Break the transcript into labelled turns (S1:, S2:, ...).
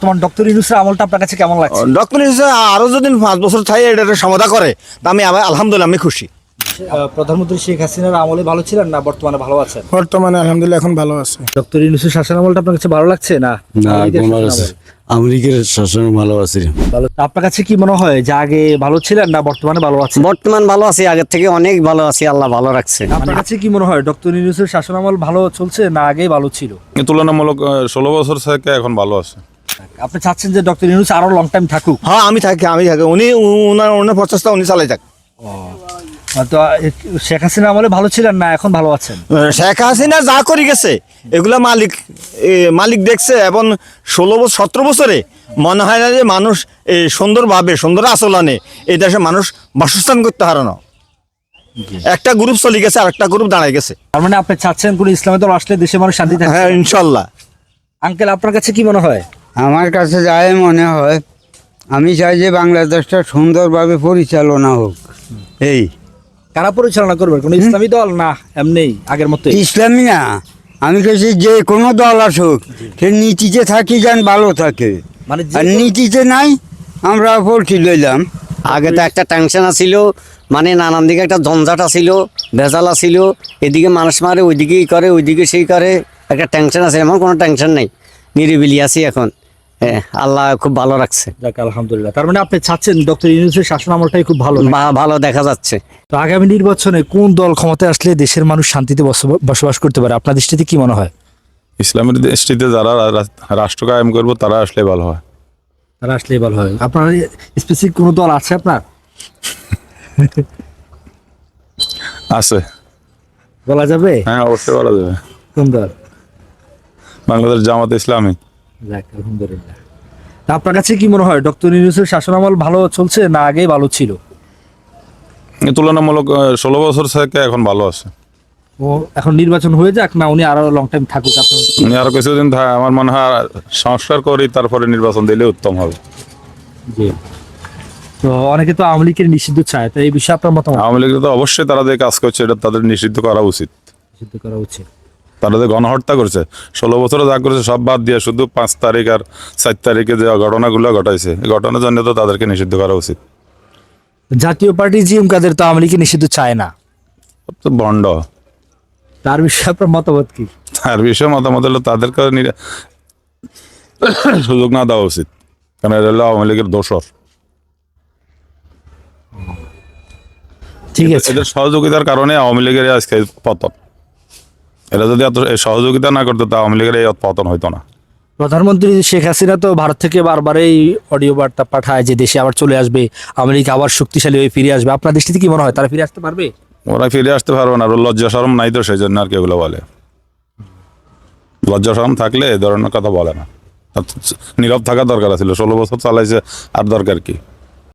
S1: তোমার ডক্টর ইউনূসের আমলটা আপনার কাছে কেমন লাগছে?
S2: ডক্টর ইউনূস আরো যদি 5 বছর থাকে এটা সমাধা করে তা আমি আলহামদুলিল্লাহ আমি খুশি।
S1: প্রধানমন্ত্রী শেখ হাসিনার আমলে ভালো ছিলেন না বর্তমানে ভালো আছেন?
S3: বর্তমানে আলহামদুলিল্লাহ এখন ভালো আছে।
S1: ডক্টর ইউনূসের শাসন আমলটা আপনার কাছে ভালো লাগছে না?
S4: আমেরিকার শাসন ভালো আছে।
S1: ভালো। আপনার কাছে কি মনে হয় যে আগে ভালো ছিলেন না বর্তমানে ভালো আছেন?
S4: বর্তমান ভালো আছি, আগের থেকে অনেক ভালো আছি, আল্লাহ ভালো রাখছে।
S1: আপনার কাছে কি মনে হয় ডক্টর ইউনূসের শাসন আমল ভালো চলছে না আগেই ভালো ছিল?
S5: তুলনামূলক 16 বছর থেকে এখন ভালো আছে।
S1: আপনি চাচ্ছেন যে ডক্টর ইউনূস আরো লং টাইম থাকুক?
S2: হ্যাঁ আমি থাকি উনি ওনার প্রচেষ্টা উনি চালাই থাক।
S1: তো শেখ হাসিনা আমলে ভালো ছিলেন না এখন ভালো আছেন?
S2: শেখ হাসিনা যা করে গেছে এগুলা মালিক দেখছে এবং 17 বছরে মনে হয় না যে মানুষ সুন্দরভাবে সুন্দর আচরণে এই দেশে মানুষ বাসস্থান করতে পারে না। একটা গ্রুপ চলে গেছে আর একটা গ্রুপ দাঁড়ায় গেছে।
S1: তার মানে আপনি চাচ্ছেন কোন ইসলামী দল আসলে দেশে মানুষ শান্তি থাকবে?
S2: হ্যাঁ ইনশাল্লাহ।
S1: আঙ্কেল আপনার কাছে কি মনে হয়?
S6: আমার কাছে যাই মনে হয়, আমি চাই যে বাংলাদেশটা সুন্দরভাবে পরিচালনা হোক। এই
S1: কারা পরিচালনা করবে? কোন ইসলামী দল না এমনি আগের মতো?
S6: ইসলামী না, আমি কাছে যে কোনো দল আসুক সে নীতিতে থাকি যেন ভালো থাকে,
S1: মানে
S6: আর নীতিতে নাই আমরা পড়ছি লইলাম।
S4: আগে তো একটা টেনশন আছিল, মানে নানান দিকে একটা ঝঞ্ঝাট আছিল, ভেজাল আছিল, এদিকে মানুষ মারে, ওইদিকে করে, ওইদিকে সেই করে, একটা টেনশন আছে। এমন কোনো টেনশন নেই, নিরিবিলি আছি এখন। আল্লাহ খুব ভালো রাখছে।
S1: যাক আলহামদুলিল্লাহ। তার মানে আপনি চাচ্ছেন ডক্টর ইউনূসের শাসন আমলটাই খুব ভালো?
S4: ভালো দেখা যাচ্ছে।
S1: তো আগামী নির্বাচনে কোন দল ক্ষমতায় আসলে দেশের মানুষ শান্তিতে বসবাস করতে পারে আপনার দৃষ্টিতে কি মনে হয়?
S5: ইসলামের দৃষ্টিতে যারা রাষ্ট্র কায়েম করবো তারা আসলে ভালো হয়।
S1: তারা আসলেই ভালো হয়। আপনার স্পেসিফিক কোনো দল আছে আপনার?
S5: আছে,
S1: বলা যাবে?
S5: হ্যাঁ অবশ্যই বলা যাবে।
S1: কোন দল?
S5: বাংলাদেশ জামাত ইসলামী।
S1: যাক আলহামদুলিল্লাহ। তা আপনার কাছে কি মনে হয় ডক্টর ইউনূসের শাসন আমল ভালো চলছে না আগেই ভালো ছিল?
S5: তুলনামূলক 16 বছর থেকে এখন ভালো আছে।
S1: ও এখন নির্বাচন হয়ে যাক না উনি আরো লং টাইম থাকুক?
S5: উনি আরো কিছুদিন আমার মনে হয় সংস্কার করি তারপরে নির্বাচন দিলে উত্তম হবে।
S1: জি। তো অনেকে তো আওয়ামী লীগের নিষিদ্ধ চায়, তো এই বিষয়ে আপনার মতামত?
S5: আওয়ামী লীগ তো অবশ্যই তারা যে কাজ করছে এটা তাদের নিষিদ্ধ করা উচিত।
S1: নিষিদ্ধ করা উচিত।
S5: তারা যে গণহত্যা করছে 16 বছরে যা করছে সব বাদ দিয়ে শুধু 5 তারিখ আর 4 তারিখে যে ঘটনাগুলো ঘটাইছে এই ঘটনার জন্য তো তাদেরকে নিষিদ্ধ করা উচিত।
S1: জাতীয় পার্টি জিএম কাদের তো আওয়ামী লীগের নিষিদ্ধ চায় না,
S5: তো বন্ড।
S1: তার বিষয়ে আপনার মতামত কি?
S5: তার বিষয়ে মতামত হলো তাদেরকে সুযোগ না দেওয়া উচিত, কারণ এটা হলো আওয়ামী লীগের দোসর।
S1: ঠিক আছে।
S5: এদের সহযোগিতার কারণে আওয়ামী লীগের আজকে পতন। এরা যদি এত সহযোগিতা না করতো তা আওয়ামী লীগের এই পতন হইতো না।
S1: প্রধানমন্ত্রী শেখ হাসিনা তো ভারত থেকে বারবার এই অডিও বার্তা পাঠায় যে দেশে আবার চলে আসবে, আওয়ামী লীগ আবার শক্তিশালী হয়ে ফিরে আসবে। আপনার দৃষ্টিতে কি মনে হয় তারা ফিরে আসতে পারবে?
S5: ওরা ফিরে আসতে পারবে না, লজ্জা শরম নাই তো সেই জন্য আর কি এগুলো বলে। লজ্জা শরম থাকলে এ ধরনের কথা বলে না। নীরব থাকা দরকার ছিল, 16 বছর চালাইছে, আর দরকার কি?